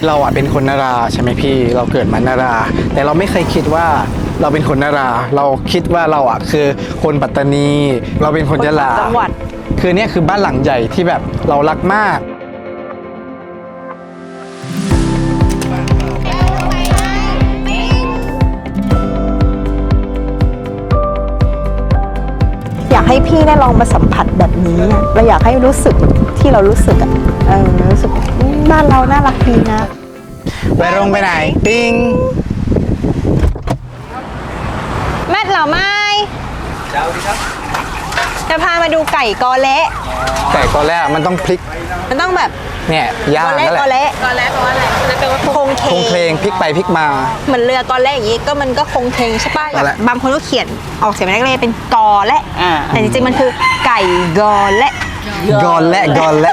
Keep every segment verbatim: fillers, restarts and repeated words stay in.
เราอ่ะเป็นคนนาราใช่ไหมพี่เราเกิดมานารา แต่เราไม่เคยคิดว่าเราเป็นคนนารา เราคิดว่าเราอ่ะคือคนปัตตานี เราเป็นคนยะลาจังหวัดคือเนี่ยคือบ้านหลังใหญ่ที่แบบเรารักมากอยากให้พี่ได้ลองมาสัมผัสแบบนี้อะเราอยากให้รู้สึกที่เรารู้สึกอ่ะเออรู้สึกอืมบ้านเราน่ารักดีนะไปโรงไปไหนปิ้งแม่เหล่าไม้เจ้าดีครับจะพามาดูไก่กอเละไก่กอแรกมันต้องพลิกมันต้องแบบเนี่ยย่างกอนั่นแหละเละกอเละกอเละแปลว่าอะไรแปลว่าโคงเคคงเพลงพลิกไปพลิกมาเหมือนเรือกอเละอย่างงี้ก็มันก็คงเคงใช่ป่ะนั่นแหละบางคนก็เขียนออกเสียงแรกๆเป็นกอเละแต่จริงๆมันคือไก่กอเละกอนและกอนและ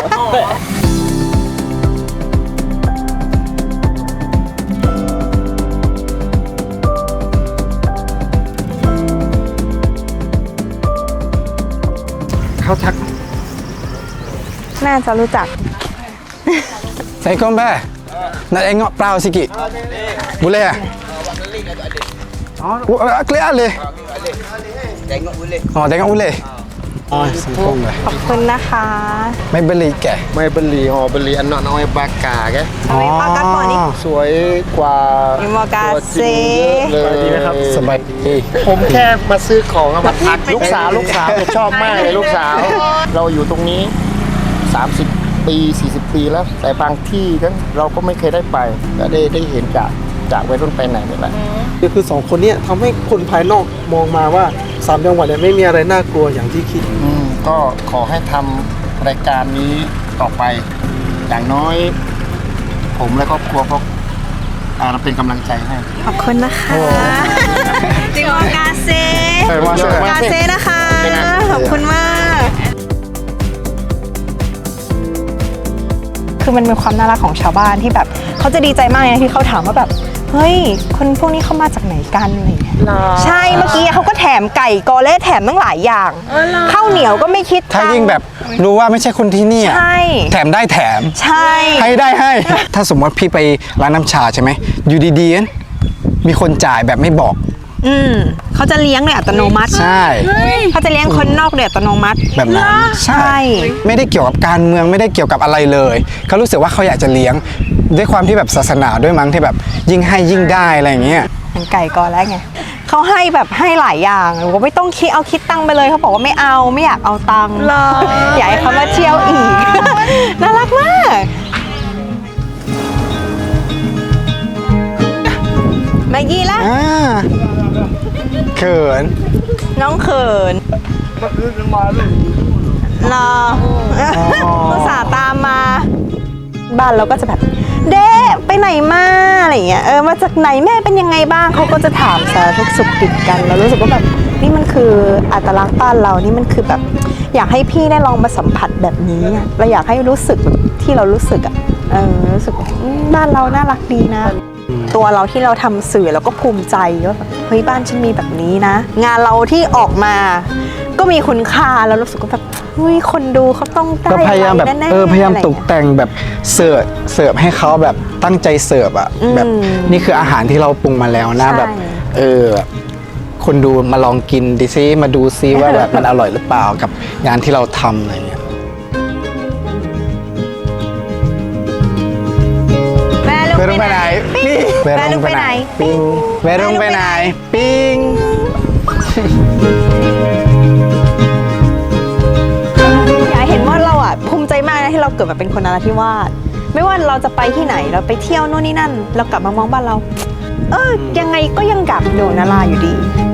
เขาทักน่าจะรู้จักใส่ก้มไปนั่นเองเงาะเปล่าสิกิบุเล่อ๋อเกลียดเลยอ๋อแต่งเงาะบุเล่อ๋อใส่ก้มไปขอบคุณนะคะไม่เบลีแกไม่บลีหอบลีอันนอนเอาไอ้บากาแกอ๋อปากาก่อนนี่สวยกว่าอิโมกาตัวจเซริงเยอะเลยนะครับสบายดีผมแค่มาซื้อของอะมาพักลูกสาวลูกสาวเนี่ยชอบมากเลยลูกสาว เราอยู่ตรงนี้ สามสิบ ปี สี่สิบ ปีแล้ว แต่บางที่นั้นเราก็ไม่เคยได้ไปก็ได้ได้เห็นจากจากวัยรุ่นไปไหนนี่แหละก็คือสองคนเนี้ทำให้คนภายนอกมองมาว่าสามจังหวัดเนี่ยไม่มีอะไรน่ากลัวอย่างที่คิดอืมก็ขอให้ทำรายการนี้ต่อไป อย่างน้อย ผมและครอบครัวก็อ่าเป็นกำลังใจให้ขอบคุณนะคะจิโมกาเซเออมาเซกาเซนะคะ ขอบคุณมาก คือมันเป็นความน่ารักของชาวบ้านที่แบบเขาจะดีใจมากเลยนะที่เขาถามว่าแบบเฮ้ยคนพวกนี้เข้ามาจากไหนกันอะไรอย่างเงี้ยใช่เมื่อกี้เขาก็แถมไก่กอเล่แถมตั้งหลายอย่างข้าวเหนียวก็ไม่คิดถ้ายิ่งแบบรู้ว่าไม่ใช่คนที่นี่อะใช่แถมได้แถมใช่ให้ได้ให้ ถ้าสมมติพี่ไปร้านน้ำชาใช่ไหมอยู่ดีๆมีคนจ่ายแบบไม่บอกอืมเขาจะเลี้ยงโดยอัตโนมัติใช่เขาจะเลี้ยงคนนอกโดยอัตโนมัติแบบนั้นใช่ไม่ได้เกี่ยวกับการเมืองไม่ได้เกี่ยวกับอะไรเลยเขารู้สึกว่าเขาอยากจะเลี้ยงด้วยความที่แบบศาสนาด้วยมั้งที่แบบยิ่งให้ยิ่งได้อะไรอย่างเงี้ยเหมือนไก่กอแล้วไงเขาให้แบบให้หลายอย่างหนูก็ไม่ต้องคิดเอาคิดตังค์ไปเลยเขาบอกว่าไม่เอาไม่อยากเอาตังค์อยากให้เขามาเที่ยวอีก น่ารักมากแมกกี้ละอ่าเขินน้องเขินรออุตส่าห์ตามมา บ้านเราก็จะแบบเด้ไปไหนมาอะไรอย่างเงี้ยเออมาจากไหนแม่เป็นยังไงบ้างเขาก็จะถามสารทุกข์สุขดิบกันเรารู้สึกว่าแบบนี่มันคืออัตลักษณ์บ้านเรานี่มันคือแบบอยากให้พี่ได้ลองมาสัมผัสแบบนี้อะเราอยากให้รู้สึกแบบที่เรารู้สึกอ่ะเออรู้สึกอืมบ้านเราน่ารักดีนะ ตัวเราที่เราทำสื่อเราก็ภูมิใจว่าแบบเฮ้ยบ้านฉันมีแบบนี้นะ งานเราที่ออกมา ก็มีคุณค่าแล้วรู้สึกว่าแบบเฮ้ยคนดูเขาต้องได้ก็พยายามแบบะไรน่ๆเออพยายามะไรตกแต่งแบบเสิร์ฟเสิร์ฟให้เขาแบบตั้งใจเสิร์ฟอ่ะอืมแบบนี่คืออาหารที่เราปรุงมาแล้วนะใช่แบบเออแบบคนดูมาลองกินดิซิมาดูซิว่าแบบมันอร่อยหรือเปล่ากับงานที่เราทำอะไรเงี้ยแม่ลูกไปโรงไปไหนปิ้งแม่ลูกไปไหนปิ้งไปโรงไปไหนปิ้งอยากเห็นว่าเราอ่ะภูมิใจมากนะที่เราเกิดมาเป็นคนนราธิวาสไม่ว่าเราจะไปที่ไหนเราไปเที่ยวโน่นนี่นั่น เรากลับมามองบ้านเรา เออยังไงก็ยังกลับอยู่นาราอยู่ดี